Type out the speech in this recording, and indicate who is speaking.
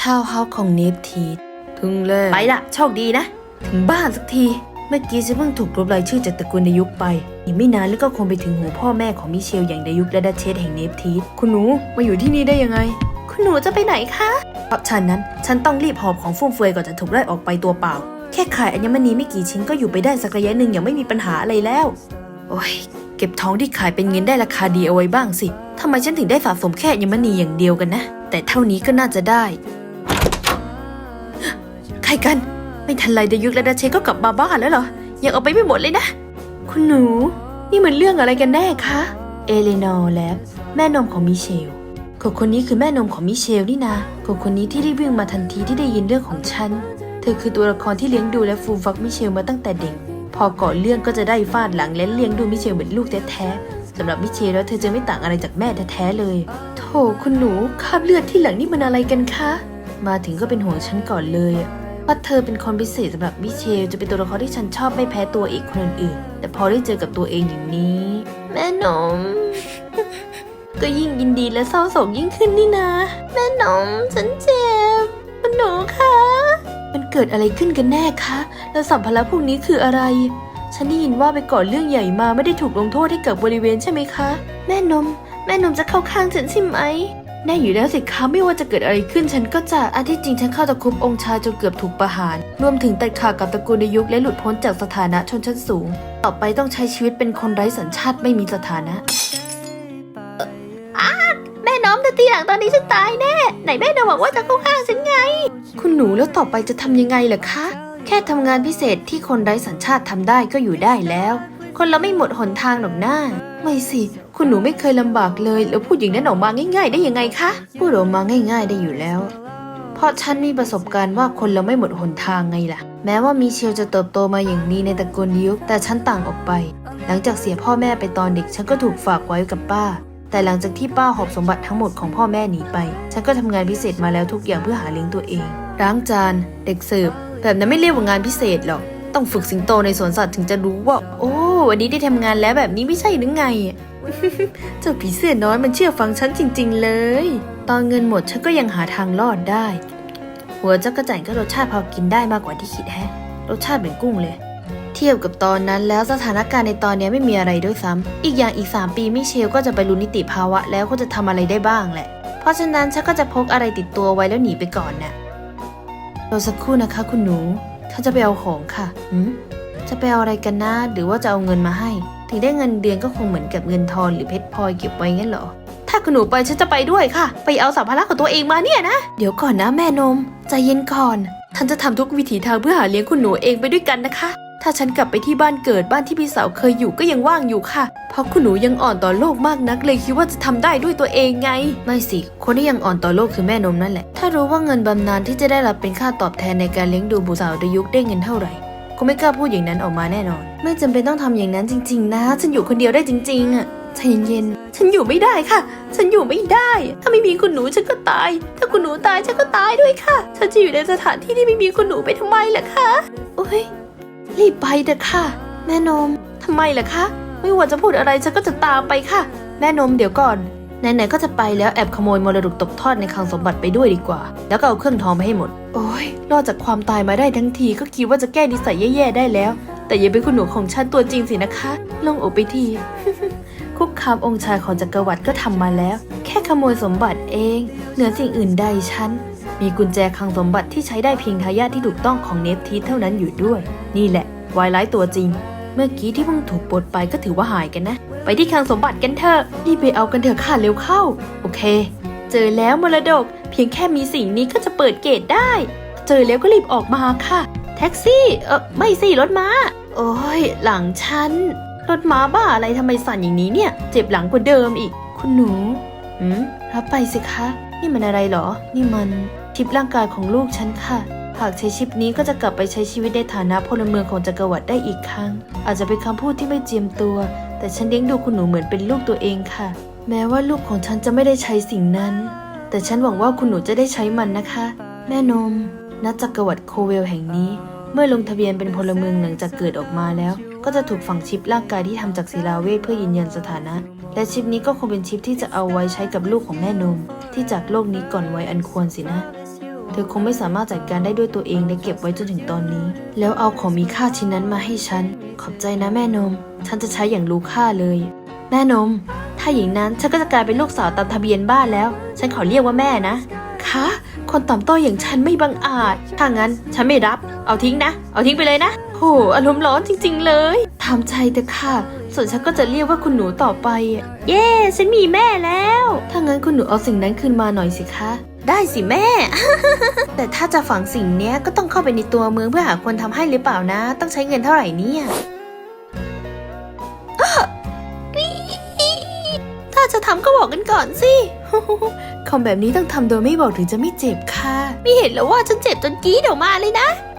Speaker 1: ทาวน์เฮาส์ของเนฟทีถึงเลยไปละโชคดีนะถึงบ้านสักทีเมื่อกี้ฉันเพิ่งถูกลบรายชื่อจากตระกูลดายุกไปอีกไม่นานแล้วก็คงไปถึงหูพ่อแม่ของมิเชลอย่างดายุกและดัชเชสแห่งเนฟทีคุณหนูมาอยู่ที่นี่ได้ยังไงคุณหนูจะไปไหนคะเพราะฉันต้องรีบหอบของฟุ่มเฟือยก่อนจะถูกไล่ออกไปตัวเปล่าแค่ขายอัญมณีไม่กี่ชิ้นก็อยู่ไปได้สักระยะหนึ่งอย่างไม่มีปัญหาอะไรแล้วโอ้ยเก็บทองที่ขายเป็นเงินได้ราคาดีเอาไว้บ้างสิทำไมฉันถึงได้สะสมแค่อัญมณีอย่างเดียวกันนะแต่เท่านี้ก็น่าจะได้ใครกันไม่ทันไรดายุกและดัชเชสก็กลับมาบ้านแล้วเหรอยังเอาไปไม่หมดเลยนะคุณหนูนี่มันเรื่องอะไรกันแน่คะเอเลนอร์และแม่นมของมิเชลคนนี้คือแม่นมของมิเชลนี่นะคนนี้ที่รีบวิ่งมาทันทีที่ได้ยินเรื่องของฉันเธอคือตัวละครที่เลี้ยงดูและฟูมฟักมิเชลมาตั้งแต่เด็กพอก่อเรื่องก็จะได้ฟาดหลังและเลี้ยงดูมิเชลเหมือนลูกแท้ๆสำหรับมิเชลแล้วเธอจะไม่ต่างอะไรจากแม่แท้ๆเลยโธ่คุณหนูคราบเลือดที่หลังนี่มันอะไรกันคะมาถึงก็เป็นห่วงฉันก่อนเลยว่าเธอเป็นคนพิเศษสำหรับมิเชลจะเป็นตัวละครที่ฉันชอบไม่แพ้ตัวอีกคนอื่นๆแต่พอได้เจอกับตัวเองอย่างนี้แม่นม ก็ยิ่งยินดีและเศร้าโศกยิ่งขึ้นนี่นะแม่นมฉันเจ็บคุณหนูคะมันเกิดอะไรขึ้นกันแน่คะแล้วสัมภาระพวกนี้คืออะไรฉันได้ยินว่าไปก่อเรื่องใหญ่มาไม่ได้ถูกลงโทษให้กับบริเวณใช่ไหมคะแม่นมจะเข้าข้างฉันใช่ไหมแน่อยู่แล้วสิคะไม่ว่าจะเกิดอะไรขึ้นฉันก็จะอันที่จริงฉันเข้าตะคุบองค์ชายจนเกือบถูกประหารรวมถึงตัดขาดกับตระกูลดายุกและหลุดพ้นจากสถานะชนชั้นสูงต่อไปต้องใช้ชีวิตเป็นคนไร้สัญชาติไม่มีสถานะแม่น้อมจะตีหลังตอนนี้ฉันตายแน่ไหนแม่น้อมบอกว่าจะเข้าข้างฉันไงคุณหนูแล้วต่อไปจะทำยังไงล่ะคะแค่ทำงานพิเศษที่คนไร้สัญชาติทำได้ก็อยู่ได้แล้วคนเราไม่หมดหนทางหรอกหน้าไม่สิคุณหนูไม่เคยลำบากเลยแล้วพูดอย่างนั้นออกมาง่ายๆได้ยังไงคะพูดออกมาง่ายๆได้อยู่แล้วเพราะฉันมีประสบการณ์ว่าคนเราไม่หมดหนทางไงล่ะแม้ว่ามิเชลจะเติบโตมาอย่างดีในตระกูลดายุกแต่ฉันต่างออกไปหลังจากเสียพ่อแม่ไปตอนเด็กฉันก็ถูกฝากไว้กับป้าแต่หลังจากที่ป้าหอบสมบัติทั้งหมดของพ่อแม่หนีไปฉันก็ทำงานพิเศษมาแล้วทุกอย่างเพื่อหาเลี้ยงตัวเองล้างจานเด็กเสิร์ฟแบบนั้นไม่เรียกว่างานพิเศษหรอกต้องฝึกสิงโตในสวนสัตว์ถึงจะรู้ว่าโอ้วันนี้ได้ทำงานแล้วแบบนี้ไม่ใช่หรือไง เจ้าผีเสื้อน้อยมันเชื่อฟังฉันจริงๆเลยตอนเงินหมดฉันก็ยังหาทางรอดได้หัวจักรจั่นก็รสชาติพอกินได้มากกว่าที่คิดแฮะรสชาติเหมือนกุ้งเลยเทียบกับตอนนั้นแล้วสถานการณ์ในตอนนี้ไม่มีอะไรด้วยซ้ำอีกอย่างอีก3 ปีมิเชลก็จะไปรู้นิติภาวะแล้วก็จะทำอะไรได้บ้างแหละเพราะฉะนั้นฉันก็จะพกอะไรติดตัวไว้แล้วหนีไปก่อนน่ะรอสักครู่นะคะคุณหนูถ้าจะไปเอาของค่ะจะไปเอาอะไรกันนะหรือว่าจะเอาเงินมาให้ถึงได้เงินเดือนก็คงเหมือนกับเงินทอนหรือเพชรพลอยเก็บไว้งั้นเหรอถ้าคุณหนูไปฉันจะไปด้วยค่ะไปเอาสัมภาระของตัวเองมาเนี่ยนะเดี๋ยวก่อนนะแม่นมใจเย็นก่อนฉันจะทำทุกวิถีทางเพื่อหาเลี้ยงคุณหนูเองไปด้วยกันนะคะถ้าฉันกลับไปที่บ้านเกิดบ้านที่พี่สาวเคยอยู่ก็ยังว่างอยู่ค่ะเพราะคุณหนูยังอ่อนต่อโลกมากนักเลยคิดว่าจะทำได้ด้วยตัวเองไงไม่สิคนที่ยังอ่อนต่อโลกคือแม่นมนั่นแหละถ้ารู้ว่าเงินบำนาญที่จะได้รับเป็นค่าตอบแทนในการเลี้ยงดูบุตรสาวดายุกได้เงินเท่าไหร่ก็ไม่กล้าพูดอย่างนั้นออกมาแน่นอนไม่จำเป็นต้องทำอย่างนั้นจริงๆนะฉันอยู่คนเดียวได้จริงๆอ่ะใจเย็นๆฉันอยู่ไม่ได้ค่ะฉันอยู่ไม่ได้ถ้าไม่มีคุณหนูฉันก็ตายถ้าคุณหนูตายฉันก็ตายด้วยค่ะฉันจะอยู่ในสถานที่ที่ไม่มีคุณหนูไปทำไมล่ะคะโอ้ยรีบไปเถอะค่ะแม่นมทำไมล่ะคะไม่ว่าจะพูดอะไรฉันก็จะตามไปค่ะแม่นมเดี๋ยวก่อนไหนๆก็จะไปแล้วแอบขโมยมรดกตกทอดในคลังสมบัติไปด้วยดีกว่าแล้วก็เอาเครื่องทองไปให้หมดโอ้ยรอดจากความตายมาได้ทั้งทีก็คิดว่าจะแก้นิสัยแย่ๆได้แล้วแต่อย่าเป็นคุณหนูของฉันตัวจริงสินะคะลงอกไปที คุกคามองค์ชายของจักรวรรดิก็ทำมาแล้วแค่ขโมยสมบัติเองเหนือสิ่งอื่นใดฉันมีกุญแจคลังสมบัติที่ใช้ได้เพียงทายาทที่ถูกต้องของเนฟทีเท่านั้นอยู่ด้วยนี่แหละวายร้ายตัวจริงเมื่อกี้ที่เพิ่งถูกปลดไปก็ถือว่าหายกันนะไปที่คลังสมบัติกันเถอะรีบไปเอากันเถอะค่ะเร็วเข้าโอเคเจอแล้วมรดกเพียงแค่มีสิ่งนี้ก็จะเปิดเกตได้เจอแล้วก็รีบออกมาค่ะแท็กซี่ไม่สิรถม้าโอ้ยหลังฉันรถม้าบ้าอะไรทำไมสั่นอย่างนี้เนี่ยเจ็บหลังกว่าเดิมอีกคุณหนูรับไปสิคะนี่มันอะไรหรอนี่มันชิปร่างกายของลูกฉันค่ะหากใช้ชิปนี้ก็จะกลับไปใช้ชีวิตในฐานะพลเมืองของจักรวรรดิได้อีกครั้งอาจจะเป็นคำพูดที่ไม่เจียมตัวแต่ฉันเลี้ยงดูคุณหนูเหมือนเป็นลูกตัวเองค่ะแม้ว่าลูกของฉันจะไม่ได้ใช้สิ่งนั้นแต่ฉันหวังว่าคุณหนูจะได้ใช้มันนะคะแม่นมณจักรวรรดิโคเวลแห่งนี้เมื่อลงทะเบียนเป็นพลเมืองหลังจากเกิดออกมาแล้วก็จะถูกฝังชิปร่างกายที่ทำจากศิลาเวทเพื่อยืนยันสถานะและชิปนี้ก็คงเป็นชิปที่จะเอาไว้ใช้กับลูกของแม่นมที่จากโลกนี้ก่อนวัยอันควรสินะเธอคงไม่สามารถจัดการได้ด้วยตัวเองและเก็บไว้จนถึงตอนนี้ แล้วเอาของมีค่าชิ้นนั้นมาให้ฉันขอบใจนะแม่นมฉันจะใช้อย่างรู้ค่าเลยแม่นมถ้าอย่างนั้นฉันก็จะกลายเป็นลูกสาวตามทะเบียนบ้านแล้วฉันขอเรียกว่าแม่นะคะคนต่ำต้อยอย่างฉันไม่บังอาจถ้างั้นฉันไม่รับเอาทิ้งนะเอาทิ้งไปเลยนะโหอารมณ์ร้อนจริงๆเลยทำใจเถอะค่ะส่วนฉันก็จะเรียกว่าคุณหนูต่อไปเย้ฉันมีแม่แล้วถ้างั้นคุณหนูเอาสิ่งนั้นคืนมาหน่อยสิคะได้สิแม่ แต่ถ้าจะฝังสิ่งเนี้ยก็ต้องเข้าไปในตัวเมืองเพื่อหาคนทำให้หรือเปล่านะต้องใช้เงินเท่าไหร่เนี่ยถ้าจะทำก็บอกกันก่อนสิ คำแบบนี้ต้องทำโดยไม่บอกถึงจะไม่เจ็บค่ะไม่เห็นแล้วว่าฉันเจ็บจนกรี๊ดออกมาเลยนะ